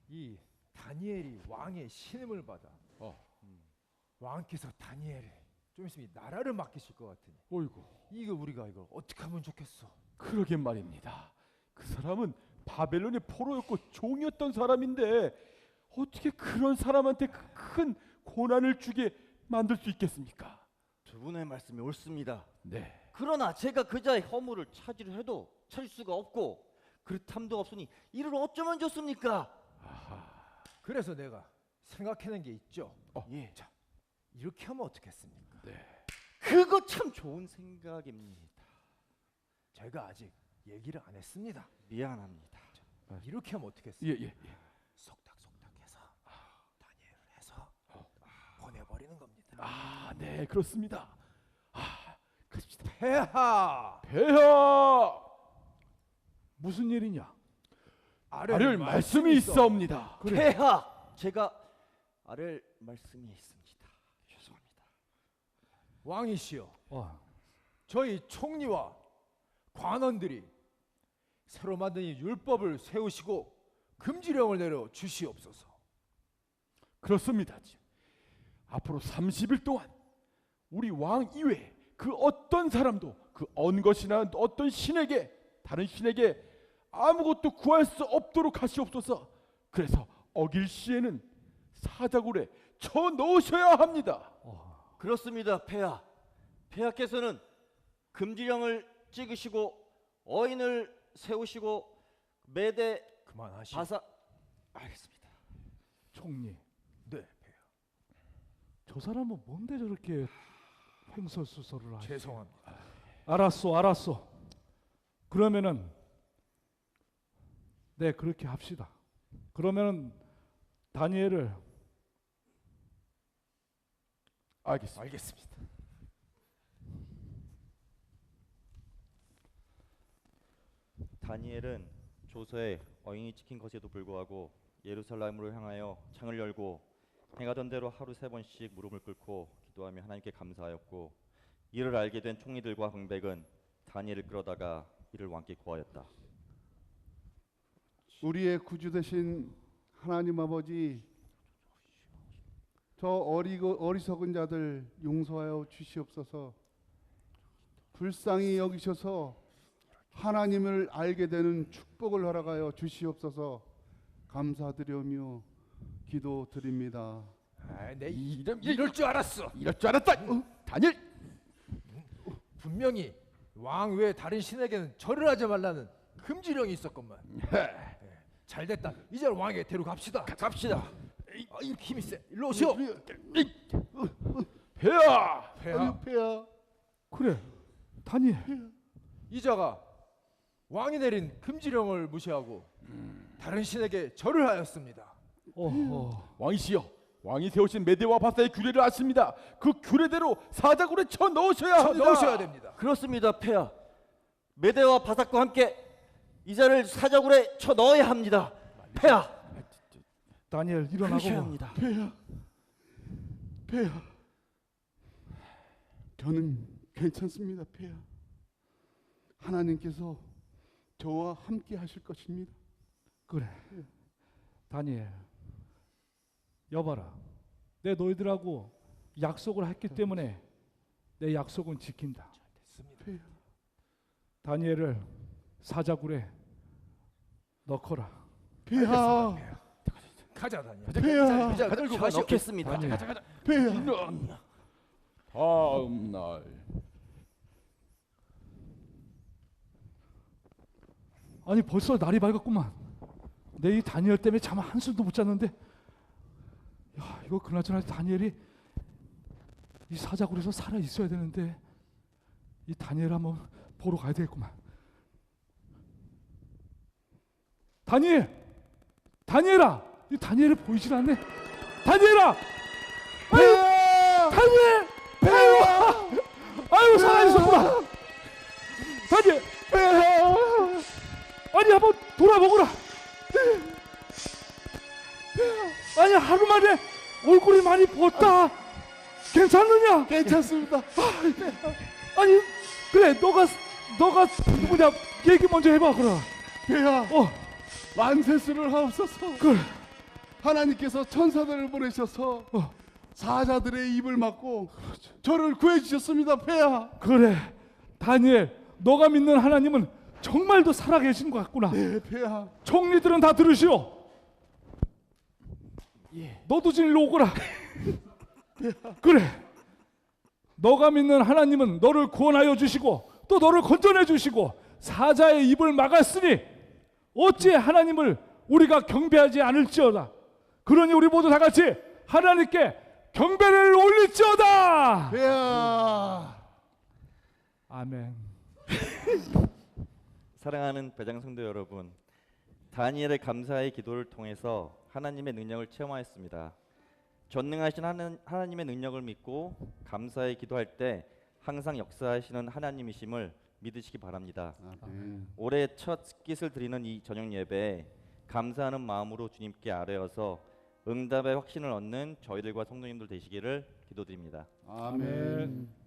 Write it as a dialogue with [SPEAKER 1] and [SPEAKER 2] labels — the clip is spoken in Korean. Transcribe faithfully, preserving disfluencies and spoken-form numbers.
[SPEAKER 1] 이 다니엘이 왕의 신임을 받아
[SPEAKER 2] 어.
[SPEAKER 1] 음, 왕께서 다니엘을 좀 있으면 이 나라를 맡기실 것 같으니
[SPEAKER 2] 어이구.
[SPEAKER 1] 이거 우리가 이걸 어떻게 하면 좋겠어?
[SPEAKER 2] 그러게 말입니다. 그 사람은 바벨론의 포로였고 종이었던 사람인데 어떻게 그런 사람한테 그 큰 고난을 주게 만들 수 있겠습니까?
[SPEAKER 3] 두 분의 말씀이 옳습니다.
[SPEAKER 2] 네.
[SPEAKER 3] 그러나 제가 그자의 허물을 찾으려 해도 찾을 수가 없고 그릇함도 없으니 이를 어쩌면 좋습니까?
[SPEAKER 2] 아하.
[SPEAKER 1] 그래서 내가 생각해낸 게 있죠.
[SPEAKER 2] 어.
[SPEAKER 3] 예.
[SPEAKER 1] 자, 이렇게 하면 어떻겠습니까?
[SPEAKER 2] 네.
[SPEAKER 3] 그거 참 좋은 생각입니다.
[SPEAKER 1] 제가 아직 얘기를 안 했습니다.
[SPEAKER 3] 미안합니다.
[SPEAKER 1] 이렇게 하면 어떻겠습니까?
[SPEAKER 2] 예, 예, 예.
[SPEAKER 1] 속닥속닥해서 다니엘을 해서 보내버리는 겁니다.
[SPEAKER 2] 아, 네, 그렇습니다. 아, 그렇습니다.
[SPEAKER 1] 폐하
[SPEAKER 2] 폐하 무슨 일이냐? 아를 말씀이 있사옵니다.
[SPEAKER 3] 폐하 제가 아랠 말씀이 있습니다. 죄송합니다.
[SPEAKER 1] 왕이시여,
[SPEAKER 2] 어.
[SPEAKER 1] 저희 총리와 관원들이 새로 만든 이 율법을 세우시고 금지령을 내려 주시옵소서.
[SPEAKER 2] 그렇습니다. 앞으로 삼십 일 동안 우리 왕 이외에 그 어떤 사람도 그 언것이나 어떤 신에게 다른 신에게 아무것도 구할 수 없도록 하시옵소서. 그래서 어길 시에는 사자굴에 쳐 넣으셔야 합니다.
[SPEAKER 1] 어.
[SPEAKER 3] 그렇습니다. 폐하 폐하께서는 금지령을 찍으시고 어인을 세우시고 매대
[SPEAKER 1] 그만하시오.
[SPEAKER 3] 바사 알겠습니다.
[SPEAKER 2] 총리,
[SPEAKER 1] 네, 폐하.
[SPEAKER 2] 저 사람은 뭔데 저렇게 횡설수설을 하지?
[SPEAKER 1] 죄송합니다.
[SPEAKER 4] 알았어, 알았어. 그러면은 네 그렇게 합시다. 그러면은 다니엘을
[SPEAKER 2] 알겠습니다.
[SPEAKER 1] 알겠습니다.
[SPEAKER 3] 다니엘은 조서에 어인이 찍힌 것에도 불구하고 예루살렘으로 향하여 창을 열고 행하던 대로 하루 세 번씩 무릎을 꿇고 기도하며 하나님께 감사하였고 이를 알게 된 총리들과 방백은 다니엘을 끌어다가 이를 왕께 고하였다.
[SPEAKER 5] 우리의 구주 되신 하나님 아버지, 저 어리고 어리석은 자들 용서하여 주시옵소서. 불쌍히 여기셔서 하나님을 알게 되는 축복을 허락하여 주시옵소서. 감사드리며 기도드립니다.
[SPEAKER 1] 아, 내
[SPEAKER 2] 이런
[SPEAKER 1] 이럴 줄 알았어.
[SPEAKER 2] 이럴 줄 알았다. 어, 다니엘.
[SPEAKER 1] 분명히 왕 외에 다른 신에게는 절을 하지 말라는 금지령이 있었건만. 예, 잘 됐다. 이제 왕에게 데려갑시다.
[SPEAKER 3] 갑시다.
[SPEAKER 1] 아, 이렇게 힘이 세. 일로 오시오.
[SPEAKER 2] 폐하.
[SPEAKER 1] 폐하.
[SPEAKER 5] 아유, 폐하.
[SPEAKER 4] 그래 다니엘
[SPEAKER 1] 이자가 왕이 내린 금지령을 무시하고 다른 신에게 절을 하였습니다.
[SPEAKER 4] 어, 어.
[SPEAKER 2] 왕이시여, 왕이 세우신 메대와 바사의 규례를 아십니다. 그 규례대로 사자굴에 쳐 넣으셔야
[SPEAKER 1] 쳐
[SPEAKER 2] 합니다.
[SPEAKER 1] 넣으셔야 됩니다.
[SPEAKER 3] 그렇습니다. 폐하 메대와 바삭과 함께 이자를 사자굴에 쳐 넣어야 합니다. 폐하
[SPEAKER 4] 다니엘 일어나고
[SPEAKER 3] 그러셔야
[SPEAKER 4] 봐.
[SPEAKER 3] 합니다.
[SPEAKER 5] 폐하. 폐하. 저는 괜찮습니다, 폐하. 하나님께서 저와 함께 하실 것입니다.
[SPEAKER 4] 그래 다니엘 여봐라, 내 너희들하고 약속을 했기 때문에 내 약속은 지킨다.
[SPEAKER 1] 됐습니다.
[SPEAKER 4] 다니엘을 사자굴에 넣거라.
[SPEAKER 5] 폐하.
[SPEAKER 1] 폐하. 가자 다니엘.
[SPEAKER 5] 폐하.
[SPEAKER 1] 이자 들고
[SPEAKER 3] 쳐
[SPEAKER 1] 가시오.
[SPEAKER 3] 넣겠습니다.
[SPEAKER 4] 다니엘.
[SPEAKER 5] 폐하.
[SPEAKER 2] 다음 날
[SPEAKER 4] 아니 벌써 날이 밝았구만. 내 이 다니엘 때문에 잠 한숨도 못 잤는데, 야 이거 그나저나 다니엘이 이 사자굴에서 살아 있어야 되는데 이 다니엘 한번 보러 가야 되겠구만. 다니엘, 다니엘아, 이 다니엘이 보이질 않네. 다니엘아, 아유, 다니엘, 아유, 아유 살아 있었구나. 다니엘, 아니 한번 돌아보거라. 아니 하루 만에 얼굴이 많이 부었다. 괜찮느냐?
[SPEAKER 5] 괜찮습니다.
[SPEAKER 4] 아니 그래 너가 너가 누구냐? 얘기 먼저 해봐 그럼.
[SPEAKER 5] 폐하.
[SPEAKER 4] 어
[SPEAKER 5] 만세수를 하옵소서.
[SPEAKER 4] 그래
[SPEAKER 5] 하나님께서 천사들을 보내셔서
[SPEAKER 4] 어.
[SPEAKER 5] 사자들의 입을 막고 저를 구해 주셨습니다. 폐하.
[SPEAKER 4] 그래, 다니엘, 너가 믿는 하나님은 정말도 살아계신 것 같구나.
[SPEAKER 5] 네, 폐하.
[SPEAKER 4] 총리들은 다 들으시오. 너도 좀 일로 오거라. 그래, 너가 믿는 하나님은 너를 구원하여 주시고 또 너를 건져내 주시고 사자의 입을 막았으니 어찌 하나님을 우리가 경배하지 않을지어다. 그러니 우리 모두 다 같이 하나님께 경배를 올릴지어다.
[SPEAKER 5] 폐하.
[SPEAKER 4] 아멘.
[SPEAKER 3] 사랑하는 배장 성도 여러분, 다니엘의 감사의 기도를 통해서 하나님의 능력을 체험하였습니다. 전능하신 하는, 하나님의 능력을 믿고 감사의 기도할 때 항상 역사하시는 하나님이심을 믿으시기 바랍니다.
[SPEAKER 5] 아멘.
[SPEAKER 3] 올해 첫 스킷을 드리는 이 저녁 예배에 감사하는 마음으로 주님께 아뢰어서 응답의 확신을 얻는 저희들과 성도님들 되시기를 기도드립니다.
[SPEAKER 5] 아멘.